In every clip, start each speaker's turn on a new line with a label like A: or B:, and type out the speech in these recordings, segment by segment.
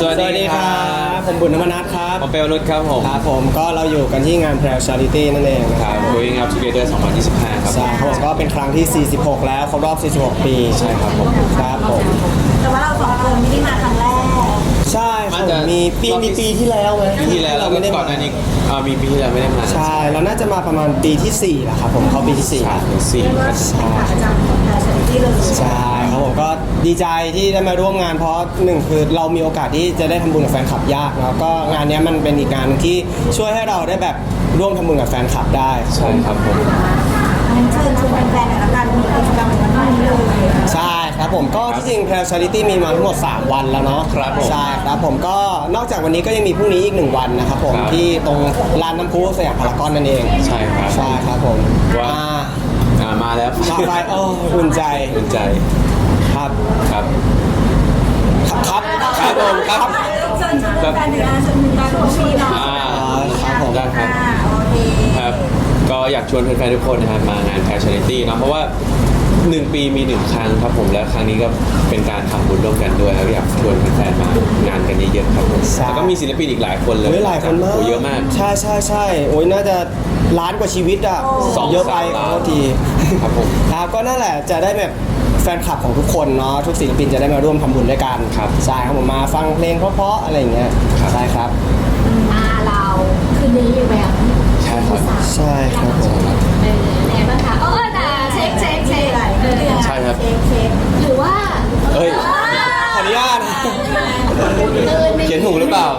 A: วัสดีครับผมบุญนมนัสครับ
B: ผมเปลนุชครับผม
A: ครับผมก็เราอยู่กันที่งาน Prel Charity นั่นเองนะครับ
B: Growing Up Together 2025 ครับ
A: ใช่ครับผมก็เป็นครั้งที่ 46 แล้วครบรอบ 46 ปีใช่ครับผมครับผม
C: แต่ว่าเราสองคนไม่ได้มาครั้งแรก
A: ใช่ครับผมมีปีที่แล้วไหม
B: ปีที่แล้ว
A: เราไม่ได้
B: ก่อนหน้านี้มีปีที่แล้วไม่ได้มา
A: ใช่เราน่าจะมาประมาณปีที่4แหละครับผมเข้าปีที่4
B: 3
A: แล้ว
B: ถึง 4
C: เรียกว่าเป็นขาประจำของแพรเชอริตี้เลย
A: ใช่ครับผมก็ดีใจที่ได้มาร่วมงานเพราะหนึ่งคือเรามีโอกาสที่จะได้ทำบุญกับแฟนคลับยากแล้วก็งานนี้มันเป็นอีกงานที่ช่วยให้เราได้แบบร่วมทำบุญกับแฟนคลับได้
B: ใช่ครับผม
C: งั้นเชิญชวนแฟนๆหน่อยละกันมีกิจกรรมวันนี้เลย
A: ใช่ครับผมก็ที่จริง Prel Charity มีมาทั้งหมด3 วันแล้วเนาะ
B: ครับผม
A: ใช่ครับผมก็นอกจากวันนี้ก็ยังมีพรุ่งนี้อีก1 วันนะครับผม
B: ครับ
A: ที่ตรงลานน้ำพุสยามพารากอนนั่นเอง
B: ใช่ครับ
A: ใช่ครับผม
B: ว่า มาแล้ว
A: มาไปโอ้อุ่นใจ
B: อุ่นใจ
A: ครับ
B: ครับ
A: ครับ
B: ครับผมครับ
C: เชิญชวนแฟนๆหน่อยนะเชิญชวนการร่วมปีเนาะ
A: ครับผม
B: ได้ครับ
C: โอเค
B: ครับ ก็อยากชวนแฟนๆทุกคนนะครับมางาน Prel Charity เนาะเพราะว่า 1 ปีมี 1 ครั้งครับผมและครั้งนี้ก็เป็นการทำบุญร่วมกันด้วยครับอยากชวนแฟนๆมางานกันเยอะๆครับผม
A: ใช่
B: แล้วก็มีศิลปินอีกหลายคนเลย
A: โอ้ยหลายคนมาก
B: โอ้เยอะมาก
A: ใช่ใช่ใช่โอ้ยน่าจะล้านกว่าชีวิตอ่ะ
B: 2
A: เยอะไป
B: 3 ล้าน
A: ขอโทษที
B: ครับผม
A: ครับก็นั่นแหละจะได้แบบแฟนคลับของทุกคนเนาะทุกศิลปินจะได้มาร่วมทำบุญด้วยกัน
B: ครับ
A: ใช่ครับผมมาฟังเพลงเพราะๆอะไรอย่างเงี้ย
B: ครับ
A: ใช่ครับ
D: เราคืนนี้อยู่แบบ
B: ใช่ครับ
A: ใช่ครับผม
D: ไหนบ้างคะแต่เช็ค
C: อะไร
B: ใช่ครับ
C: เช็ค
D: หรือว่า
B: เฮ้ย
A: ขออนุญาต
B: เขียนถูกหรือเปล่า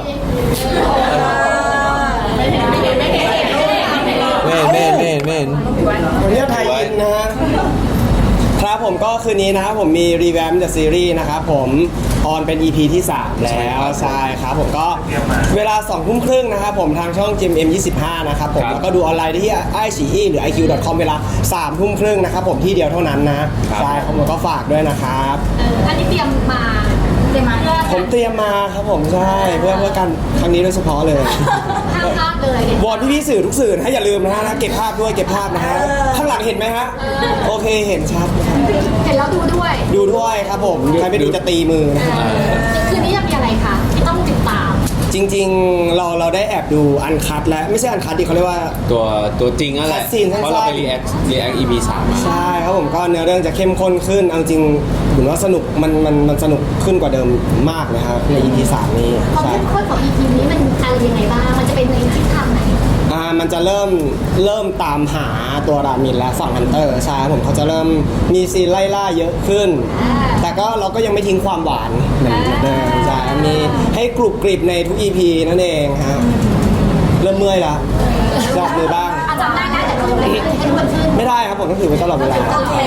D: ไม่เห็น
B: เม่น
A: วันนี้ไทยอินนะฮะครับผมก็คืนนี้นะครับผมมีรีแวมเดอะซีรีส์นะครับผมออนเป็น EP ที่ 3 แล้วใช่ครับผมก็เวลา 20:30 นะครับผมทางช่อง GMM25 นะครับผม
B: ครับ
A: แล้วก็ดูออนไลน์ได้ที่ iQIYI หรือ iq.com เวลา 3:30 นะครับผมที่เดียวเท่านั้นนะใช่ครับผมก็ฝากด้วยนะครับ
D: อันนี้เตรียมมา
A: ผมเตรียมมาครับผมใช่เพื่อกันครั้งนี้โดยเฉพาะเลย
D: ห้ามพลาดเลยว
A: อนพี่ๆสื่อทุกสื่อนะอย่าลืมนะฮะเก็บภาพด้วยเก็บภาพนะฮะข้างหลังเห็นไหมฮะโอเคเห็นชัดนะครับ
D: เห็นแล้วดูด้วย
A: ดูด้วยครับผมใครไม่ดูจะตีมือนะฮะ
D: คืนนี้จะมีอะไรคะที่ต้องติดตาม
A: จริงๆเราได้แอบดูอันคัดแล้วไม่ใช่อันคัดดิเขาเรียกว่า
B: ตัวจริงนั่นแหละ
A: คัดซีนสั้นๆ
B: เพราะเราไป react EP 3 มา
A: ใช่ครับผมก็เนื้อเรื่องจะเข้มข้นขึ้นเอาจริงผมว่าสนุกมันสนุกขึ้นกว่าเดิมมากเลยครับใน EP 3 นี้
D: ความ
A: ใช่
D: เข้มข้นของ EP นี้มันอะไรยังไงบ้างมันจะเป็นในทิศทางไหน
A: มันจะเริ่มตามหาตัวรามินและฝั่งฮันเตอร์ใช่ครับผมเขาจะเริ่มมีซีนไล่ล่าเยอะขึ้น แต่ก็เราก็ยังไม่ทิ้งความหวานเหมือนเดิมใช่มีให้กรุบกริบในทุก EP นั่นเองฮะเริ่มเมื่อยละจับมือบ้าง
D: อาจำได้นะแต่คือให้ทุกคนขึ้น
A: ไม่ได้ครับผมต้องถือไว้ตลอดเวลา
D: โอเค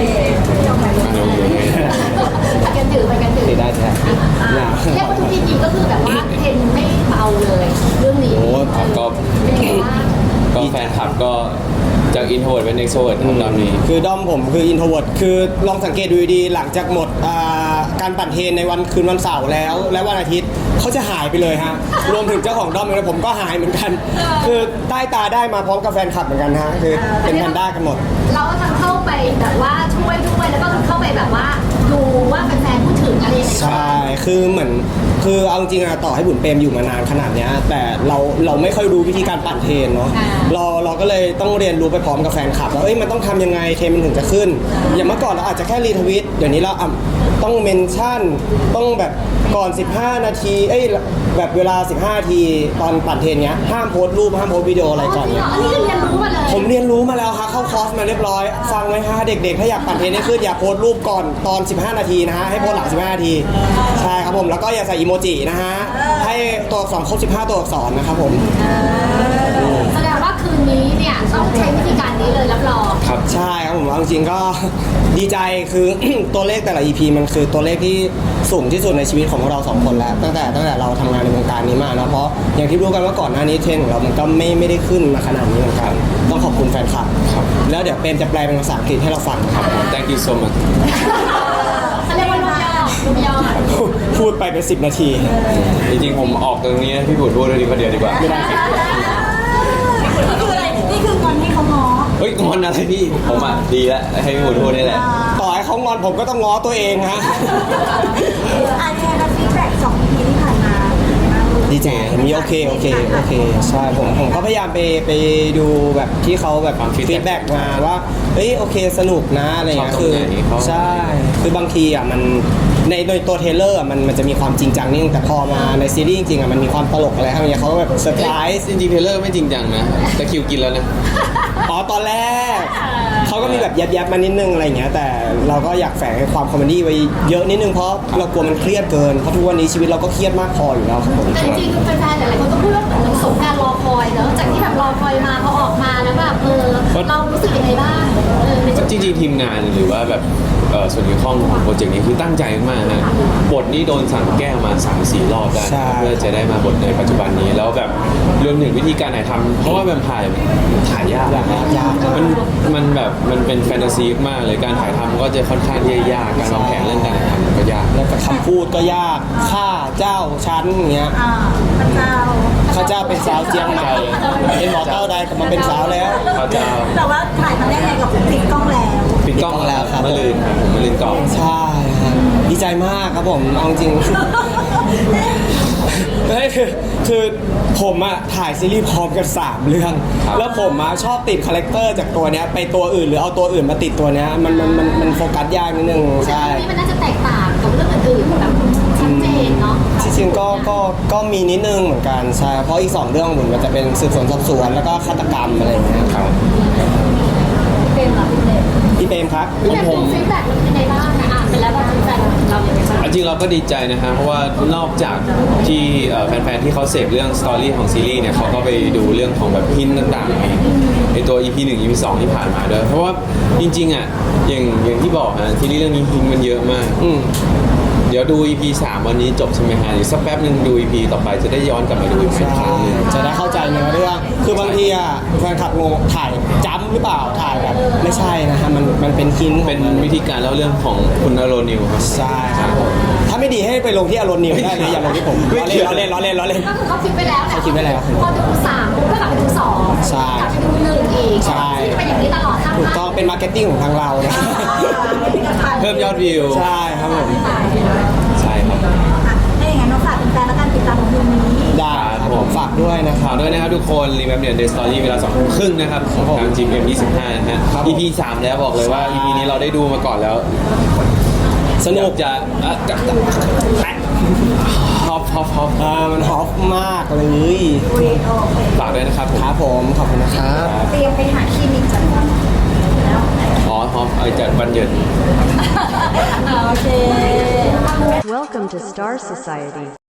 D: ไปกันถือ
A: ถือได้แท้อย่า
D: เรียกว่าทุก EP ก็คือแบบว่าเทรนไม่เบาเลยเรื่องนี้
A: โอ้
B: ครับก็
D: เป็นยังไงบ้าง
B: แฟนคลับก็จาก introvert เป็น extrovert ครับตอนนี้
A: คือด้อมผมคืออินโทรเวิร์ดคือลองสังเกตดูดีๆหลังจากหมดการปั่นเทรนในวันคืนวันเสาร์แล้วและวันอาทิตย์เขาจะหายไปเลยฮะรวมถึงเจ้าของด้อมเองผมก็หายเหมือนกัน คือใต้ตาได้มาพร้อมกับแฟนคลับเหมือนกันฮะคือเป็นแพนด้ากันหมด
D: เราก็ทั้งเข้าไปแบบว่าช่วยด้วยแล้วก็เข้าไปแบบว่าดูว่าแฟนๆพูดถึงอะไรยังไง
A: ใช่ คือเหมือน คือเอาจริงๆอะต่อให้บุญเปรมอยู่มานานขนาดเนี้ยแต่เราไม่ค่อยรู้วิธีการปั่นเทรนเนาะ เราก็เลยต้องเรียนรู้ไปพร้อมกับแฟนคลับว่าเอ้ยมันต้องทำยังไงเทรนมันถึงจะขึ้น อย่างเมื่อก่อนเราอาจจะแค่รีทวิต เดี๋ยวนี้เราต้องเมนชั่น ต้องแบบก่อน 15 นาที เอ้ยแบบเวลา 15 นาทีตอนปั่นเทรนเนี้ยห้ามโพสต์รูปห้ามโพสต์วิดีโออะไรก่อน
D: จริง
A: เนี้
D: เหร
A: ย
D: ออันนี้คือเรียนรู้มาเลย
A: ผมเรียนรู้มาแล้วครับเข้าคอร์สมาเรียบร้อย ฟังไว้ฮะเด็กๆ ถ้าอยากปั่นเทรนให้ขึ้นอย่าโพสต์รูปก่อนตอน 15 นาทีนะฮะให้โพสต์หลัง 15 นาที ใช่ครับผมแล้วก็อย่าใส่อีโมจินะฮะให้ตัวอักษรครบ 15 ตัวอักษรนะครับผม
D: แสดงว่าคืนนี้เนี่ยต้องใช้วิธีการนี้เลยรับรอง
A: ครับใช่ครับผมเอาจริงๆก็ ดีใจคือ ตัวเลขแต่ละ EP มันคือตัวเลขที่สูงที่สุดในชีวิตของพวกเราสองคนแล้วตั้งแต่เราทำงานในวงการนี้มาเนาะเพราะอย่างที่รู้กันว่าก่อนหน้านี้เทรนด์ของเรามันก็ไม่ได้ขึ้นมาขนาดนี้เหมือนกันต้องขอบคุณแฟนคลับครับแล้วเดี๋ยวเปรมจะแปลเป็นภาษาอังกฤษให้เราฟังนะครับ
B: thank you so much
D: เขาเรียกว่าลูกย่อ
A: พูดไปเป็น10 นาที
B: จริงๆผมออกตรงนี้นะพี่บุตรพูดด้วยดีกว่าเดียวดีกว่า
A: ไม่ได้
C: นี่คืออะไรนี่คือวันที่เขาง้อ
B: เฮ้ยงอนอะไรพี่ผมอ่ะดีแล้วให้พี่บุตรพูดนี่แหละ
A: ต่อให้เขางอนผมก็ต้องง้อตัวเองฮะ
C: อาแชร์กับฟีดแบ็ก2 EP ที่ผ่านมา
A: ดีใจมีโอเคใช่ผมก็พยายามไปดูแบบที่เขาแบบ
B: ฟัง
A: ฟีดแบ็กมาว่าเฮ้ยโอเคสนุกนะอะไรเงี้ย
B: ชอบตร
A: คื
B: ง
A: อ
B: ไหนเขา
A: ใช่คือบางทีอ่ะมันในตัวเทรลเลอร์อ่ะมันจะมีความจริงจังนิดนึงแต่พอมาในซีรีส์จริงๆอ่ะมันมีความตลกอะไรครับเนี่ยเขาก็แบบเซอร์ไพรส์
B: จริงๆเทรลเลอร์ไม่จริงจังนะแต่คิวกินแล้วนะ
A: อ๋อตอนแรกเขาก็มีแบบยับๆมานิดนึงอะไรอย่างเงี้ยแต่เราก็อยากแฝงความคอมเมดี้ไว้เยอะนิดนึงเพราะเรากลัวมันเครียดเกินเพราะทุกวันนี้ชีวิตเราก็เครียดมากพออยู่แล้วครับผม
D: แต่จริงๆแฟนๆหลายๆคนก็พูดว่าเหมือนสงการรอคอยเนอะจากที่แบบรอคอยมาพอออกมาแล้วแบบเรารู้สึกยังไงบ้างในจุด
B: จริงๆทีมงานหรือว่าแบบส่วนเกี่ยวข้องของโปรเจกต์นี้คือตั้งใจมากนะบทนี้โดนสั่งแก้มา 3-4 รอบได้
A: ใช่
B: เพื่อจะได้มาบทในปัจจุบันนี้แล้วแบบรวมถึงวิธีการถ่ายทำเพราะว่าแวมไพร์ถ่ายยาก
A: ยาก
B: มันแบบมันเป็นแฟนตาซีมากเลยการถ่ายทำก็จะค่อนข้างที่จะยากการวางแผนเรื่องการถ่ายทำมันก็ยาก
A: แล้วก็คำพูดก็ยากข้าเจ้าชั้นอย่างเงี้ย
C: พระเจ้า
A: ข้าเจ้าเป็นสาวเจียงใหม่เป็นหมอเต้าใดกลับมาเป็นสาวแล้ว
B: ข้าเจ้า
C: แต่ว่าถ่ายมาได้ไงกับติดกล้องแล้ว
B: ปิดกล้อง
A: แล้วครับ
B: มะลืนครับผมมะลืนกล้อง
A: ใช่ครับดีใจมากครับผมเอาจริง ไม่คือผมอะถ่ายซีรีส์พร้อมกัน3เรื่อง แล้วผมอะชอบติดคาแรคเตอร์จากตัวเนี้ยไปตัวอื่นหรือเอาตัวอื่นมาติดตัวเนี้ยมันโฟกัสยากนิดนึงใช่
D: นี้มันน่าจะแตกต่างกับเรื่องอื่นๆแบบชัดเจนเนาะ
A: จริงๆก็มีนิดนึงเหมือนกันใช่เพราะอีก2เรื่องผมมันจะเป็นสืบสวนสอบสวนแล้วก็ฆาตกรรมอะไรอย่างเงี้ยครับ
D: เป็นเหรอพี่เล็ก
A: พี่เปรมครับ
D: พี่เล็กดูฟีดแบ็กเป็นยังไงบ้างนะอ่านไปแล้วว่าแฟนๆเราอย่างไรบ้าง
B: จริงเราก็ดีใจนะฮะเพราะว่านอกจากที่แฟนๆที่เขาเสพเรื่องสตอรี่ของซีรีส์เนี่ยเขาก็ไปดูเรื่องของแบบพินต่างๆในตัว EP 1 EP 2 ที่ผ่านมาด้วยเพราะว่าจริงๆอ่ะอย่างที่บอกฮะซีรีส์เรื่องนี้พินมันเยอะมาก เดี๋ยวดู EP 3 วันนี้จบใช่ไหมฮะเดี๋ยวสักแป๊บนึงดู EP ต่อไปจะได้ย้อนกลับมาดูอีกครั้งหนึง
A: จะได้เข้าใจเนื้อเรื่องคือบางทีอะแฟนคลับงงถ่ายจ้ำหรือเปล่าถ่ายแบบไม่ใช่นะฮะมันเป็นคิน
B: เป็นวิธีการเล่าเรื่องของคุณอโรนิวครับ
A: ใช่ครับผมถ้าไม่ดีให้ไปลงที่อารมณ์นิวได้เลยอย่าลงที่ผมล้อเล่น
D: ก็คือเขาคิดไปแล้ว
A: เขาคิดไว้แล้ว
D: พอดู3ปุ๊บก็กลับไปดู2
A: ใช่
D: กลับไปดู1อีก
A: ใช่
D: เป็นอย่างนี้ตลอดทั้ง
A: ถูกต้องเป็นมาร์เก็ตติ้งของทางเราเนี่ย
B: เพิ่มยอดวิว
A: ใช่ครับผม
B: ใช่ครับ
C: ถ้าอย่างนั้นน้องฝากเป็นแฟนแล้วกันติดตามของคืนนี้
A: ได้ครับผมฝากด้วยนะค
B: ฝา
A: รับ
B: กด้วยนะครับทุกคนรีแมปเนี่ยเดสตอรี่เวลา2 ทุ่มครึ่งนะครับ
A: ครับผม
B: ทาง GM 25นะฮะ
A: ครับผม
B: EP 3 แล้วบอกเลยว่า EP นี้เราได้ดูมาก่อนแล้ว
A: สนุก
B: จะฮอป
A: มันฮอปมากเลย
B: ฝากด้วยนะครับผม
A: ครับผมขอบคุณนะครับ
C: เตรียมไปหาคลินิกจัดวันแล้ว
B: อ๋อฮอปจัดวันหยุด
C: โอเค
E: Welcome to Star Society.